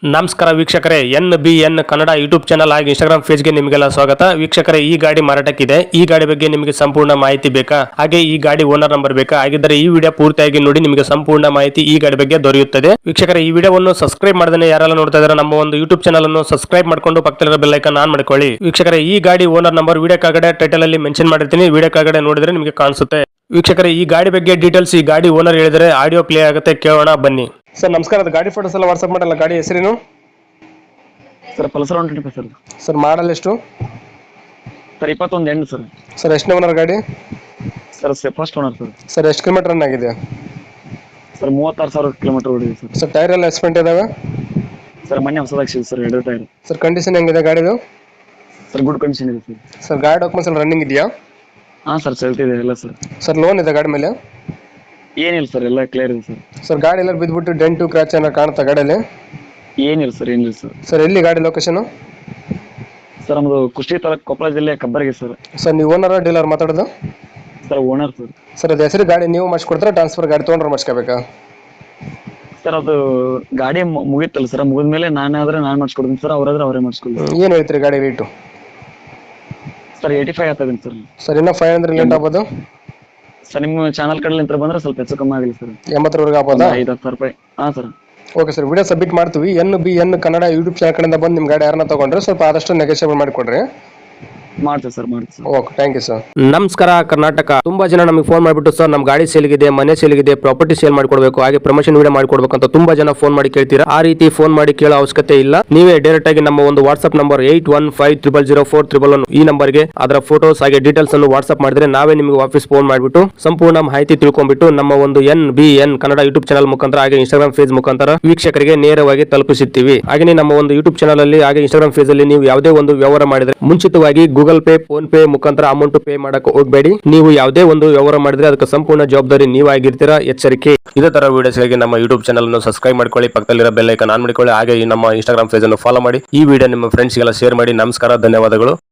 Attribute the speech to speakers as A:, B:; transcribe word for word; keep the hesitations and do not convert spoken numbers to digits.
A: ನಮಸ್ಕಾರ ವೀಕ್ಷಕರೇ, N B N Kannada YouTube channel ಹಾಗೂ ಇನ್ಸ್ಟಾಗ್ರಾಮ್ ಪೇಜ್ಗೆ ನಿಮಗೆಲ್ಲ ಸ್ವಾಗತ. ವೀಕ್ಷಕರೇ, ಈ ಗಾಡಿ ಮಾರಾಟಕ್ಕಿದೆ. ಈ ಗಾಡಿ ಬಗ್ಗೆ ನಿಮಗೆ ಸಂಪೂರ್ಣ ಮಾಹಿತಿ ಬೇಕಾ? ಹಾಗೆ ಈ ಗಾಡಿ ಓನರ್ ನಂಬರ್ ಬೇಕಾ? ಹಾಗಿದ್ದರೆ ಈ ವಿಡಿಯೋ ಪೂರ್ತಿಯಾಗಿ ನೋಡಿ, ನಿಮಗೆ ಸಂಪೂರ್ಣ ಮಾಹಿತಿ ಈ ಗಾಡಿ ಬಗ್ಗೆ ದೊರೆಯುತ್ತದೆ. ವೀಕ್ಷಕರೇ, ಈ ವಿಡಿಯೋವನ್ನು ಸಬ್ಸ್ಕ್ರೈಬ್ ಮಾಡದೇ ಯಾರೆಲ್ಲ ನೋಡ್ತಾ ಇದ್ದಾರೆ ನಮ್ಮ ಒಂದು ಯೂಟ್ಯೂಬ್ ಚಾನಲ್ ಅನ್ನು ಸಬ್ಸ್ಕ್ರೈಬ್ ಮಾಡ್ಕೊಂಡು ಪಕ್ಕದಲ್ಲಿರೋ ಬೆಲ್ ಐಕಾನ್ ಆನ್ ಮಾಡ್ಕೊಳ್ಳಿ. ವೀಕ್ಷಕರೇ, ಈ ಗಾಡಿ ಓನರ್ ನಂಬರ್ ವಿಡಿಯೋ ಕೆಳಗಡೆ ಟೈಟಲ್ ಅಲ್ಲಿ ಮೆನ್ಷನ್ ಮಾಡಿರ್ತೀನಿ, ವಿಡಿಯೋ ಕೆಳಗಡೆ ನೋಡಿದ್ರೆ ನಿಮಗೆ ಕಾಣಿಸುತ್ತೆ. ವೀಕ್ಷಕರೇ, ಈ ಗಾಡಿ ಬಗ್ಗೆ ಡೀಟೇಲ್ಸ್ ಈ ಗಾಡಿ ಓನರ್ ಹೇಳಿದರೆ ಆಡಿಯೋ ಪ್ಲೇ ಆಗುತ್ತೆ, ಕೇಳೋಣ ಬನ್ನಿ. ಸರ್ ನಮಸ್ಕಾರ, ಅದು ಗಾಡಿ ಫೋಟೋಸ್ ಎಲ್ಲ ವಾಟ್ಸ್ಆಪ್ ಮಾಡಲ್ಲ. ಗಾಡಿ ಹೆಸರೇನು
B: sir? Pulsar one twenty five sir.
A: Sir model ಎಷ್ಟು
B: ಸರ್ ಇಪ್ಪತ್ತೊಂದು ಎಂಟು ಸರ್.
A: ಸರ್ ಎಷ್ಟು ಓನರ್ ಗಾಡಿ?
B: Sir first owner sir.
A: Sir ಎಷ್ಟು ಕಿಲೋಮೀಟರ್ ರನ್ ಆಗಿದೆ?
B: ಸರ್ ಮೂವತ್ತಾರು ಸಾವಿರ ಕಿಲೋಮೀಟರ್ ಓಡಿದೆ ಸರ್.
A: ಸರ್ ಟೈರ್ ಎಲ್ಲ ಎಸ್ಪೆಂಟ್ ಇದಾವೆ?
B: ಸರ್ ಮೊನ್ನೆ ಹೊಸದಾಗಿ ಸರ್ ಎರಡು ಟೈರ್.
A: ಸರ್ ಕಂಡೀಷನ್ ಹೆಂಗಿದೆ ಗಾಡಿದು?
B: ಸರ್ ಗುಡ್ ಕಂಡೀಷನ್ ಇದೆ ಸರ್.
A: ಸರ್ ಗಾಡಿ ಡಾಕ್ಯುಮೆಂಟ್ಸ್ ಎಲ್ಲ ರನ್ನಿಂಗ್ ಇದೆಯಾ?
B: ಹಾಂ ಸರ್, ಚಲ್ತಿದೆ ಎಲ್ಲ ಸರ್.
A: ಸರ್ ಲೋನ್ ಇದೆ ಗಾಡಿ ಮೇಲೆ?
B: ಏನಿಲ್ಲ ಸರ್, ಎಲ್ಲ ಕ್ಲಿಯರ್ ಇದೆ ಸರ್.
A: ಸರ್ ಗಾಡಿ ಎಲ್ಲ ಬಿದ್ದುಬಿಟ್ಟು ಡೆಂಟು ಕ್ರಾಚ್ ಏನಾರು ಕಾಣುತ್ತಾ ಗಾಡಿಯಲ್ಲಿ?
B: ಏನಿಲ್ಲ ಸರ್, ಏನಿಲ್ಲ ಸರ್.
A: ಸರ್ ಎಲ್ಲಿ ಗಾಡಿ ಲೊಕೇಶನ್?
B: ಸರ್ ನಮ್ಮದು ಕುಷ್ಟಗಿ ತಾಲೂಕು, ಕೊಪ್ಪಳ ಜಿಲ್ಲೆ, ಕಬ್ಬರ್ಗಿ ಸರ್.
A: ಸರ್ ನೀವು ಓನರ್ ಡೀಲರ್ ಮಾತಾಡೋದು?
B: Sir owner sir.
A: ಸರ್ ಅದು ಹೆಸರು ಗಾಡಿ ನೀವು ಮಾಡಿಸ್ಕೊಡ್ತಾರೆ, ಟ್ರಾನ್ಸ್ಫರ್ ಗಾಡಿ ತೊಗೊಂಡ್ರೆ ಮಾಡಿಸ್ಕೋಬೇಕಾ?
B: ಸರ್ ಅದು ಗಾಡಿ ಮುಗಿತಲ್ಲ ಸರ್, ಮುಗಿದ್ಮೇಲೆ ನಾನೇ ಆದ್ರೆ ನಾನು ಮಾಡಿಸ್ಕೊಡ್ತೀನಿ ಸರ್, ಅವರಾದ್ರೆ ಅವರೇ ಮಾಡಿಸ್ಕೊಡ್ತೀನಿ.
A: ಏನು ಹೇಳ್ತೀರಿ ಗಾಡಿ ರೇಟು?
B: ಸರ್ ಏಯ್ಟಿ ಫೈವ್ ಆಗ್ತದೆ ಸರ್.
A: ಸರ್ ಇನ್ನೂ ಫೈವ್ ಹಂಡ್ರೆಡ್ ಲೇಟ್ ಆಗ್ಬೋದು
B: ಸರ್. ನಿಮ್ಮ ಚಾನಲ್ ಕಡೆಲಿಂದ ಬಂದ್ರೆ ಸ್ವಲ್ಪ ಹೆಚ್ಚು ಕಮ್ಮಿ ಆಗಲಿ ಸರ್.
A: ಎಂಬತ್ತರವರೆಗೆ ಆಗ್ಬೋದಾ?
B: ಐದು ಹತ್ತು ಸಾವಿರ ರೂಪಾಯಿ. ಹಾಂ sir.
A: Okay sir, video submit ಮಾಡ್ತೀವಿ. N B N Kannada YouTube channel ಕಡೆಯಿಂದ ಬಂದು ನಿಮ್ಮ ಗಾಡಿ ಯಾರನ್ನ ತೊಗೊಂಡ್ರೆ ಸ್ವಲ್ಪ ಆದಷ್ಟು ನೆಗೋಷಿಯೇಬಲ್ ಮಾಡಿಕೊಡ್ರಿ.
B: ಮಾಡ್ತೀವಿ ಸರ್, ಮಾಡ್ತೀವಿ.
A: Okay, thank you sir. ನಮಸ್ಕಾರ ಕರ್ನಾಟಕ. ತುಂಬಾ ಜನ ನಮಗೆ ಫೋನ್ ಮಾಡಿಬಿಟ್ಟು ಸರ್ ನಮ್ಮ ಗಾಡಿ ಸೇಲ್ಗಿದೆ, ಮನೆ ಸೇಲ್ಗಿದೆ, ಪ್ರಾಪರ್ಟಿ ಸೇಲ್ ಮಾಡ್ಕೊಡ್ಬೇಕು, ಹಾಗೆ ಪ್ರಮೋಷನ್ ವಿಡಿಯೋ ಮಾಡ್ಕೊಡ್ಬೇಕು ಅಂತ ತುಂಬಾ ಜನ ಫೋನ್ ಮಾಡಿ ಕೇಳ್ತೀರಾ. ಆ ರೀತಿ ಫೋನ್ ಮಾಡಿ ಕೇಳೋ ಅವಶ್ಯಕತೆ ಇಲ್ಲ. ನೀವೇ ಡೈರೆಕ್ಟ್ ಆಗಿ ನಮ್ಮ ಒಂದು WhatsApp number eight one five triple zero four triple one ಈ ನಂಬರ್ಗೆ ಅದರ ಫೋಟೋಸ್ ಹಾಗೆ ಡೀಟೇಲ್ಸ್ ಅನ್ನು ವಾಟ್ಸ್ಆಪ್ ಮಾಡಿದ್ರೆ ನಾವೇ ನಿಮಗೆ ವಾಪಸ್ ಫೋನ್ ಮಾಡಿಬಿಟ್ಟು ಸಂಪೂರ್ಣ ಮಾಹಿತಿ ತಿಳ್ಕೊಂಡ್ಬಿಟ್ಟು ನಮ್ಮ ಒಂದು N B N Kannada YouTube channel ಮುಖಾಂತರ ಹಾಗೆ ಇನ್ಸ್ಟಾಗ್ರಾಮ್ ಪೇಜ್ ಮುಖಾಂತರ ವೀಕ್ಷಕರಿಗೆ ನೇರವಾಗಿ ತಲುಪಿಸುತ್ತೀವಿ. ಹಾಗೆ ನಮ್ಮ ಒಂದು ಯೂಟ್ಯೂಬ್ ಚಾನಲ್ ಅಲ್ಲಿ ಹಾಗೆ ಇನ್ಸ್ಟಾಗ್ರಾಮ್ ಪೇಜ್ ಅಲ್ಲಿ ನೀವು ಯಾವುದೇ ಒಂದು ವ್ಯವಹಾರ ಮಾಡಿದ್ರೆ ಮುಂಚಿತವಾಗಿ ಗೂಗಲ್ ಪೇ, ಫೋನ್ ಪೇ ಮುಖಾಂತರ ಅಮೌಂಟ್ ಪೇ ಮಾಡಕ್ಕೆ ಹೋಗಬೇಡಿ. ನೀವು ಯಾವುದೇ ಒಂದು ವ್ಯವಹಾರ ಮಾಡಿದ್ರೆ ಅದಕ್ಕೆ ಸಂಪೂರ್ಣ ಜವಾಬ್ದಾರಿ ನೀವಾಗಿರ್ತೀರಾ, ಎಚ್ಚರಿಕೆ. ಇದೇ ತರ ವಿಡಿಯೋಸ್ಗಾಗಿ ನಮ್ಮ ಯೂಟ್ಯೂಬ್ ಚಾನಲ್ ಅನ್ನು ಸಬ್ಸ್ಕ್ರೈಬ್ ಮಾಡ್ಕೊಳ್ಳಿ, ಪಕ್ಕದಲ್ಲಿರೋ ಬೆಲ್ ಐಕಾನ್ ಆನ್ ಮಾಡಿಕೊಳ್ಳಿ, ಹಾಗೆ ನಮ್ಮ ಇನ್ಸ್ಟಾಗ್ರಾಮ್ ಪೇಜ್ ಅನ್ನು ಫಾಲೋ ಮಾಡಿ. ಈ ವಿಡಿಯೋ ನಿಮ್ಮ ಫ್ರೆಂಡ್ಸ್ಗೆಲ್ಲ ಶೇರ್ ಮಾಡಿ. ನಮಸ್ಕಾರ, ಧನ್ಯವಾದಗಳು.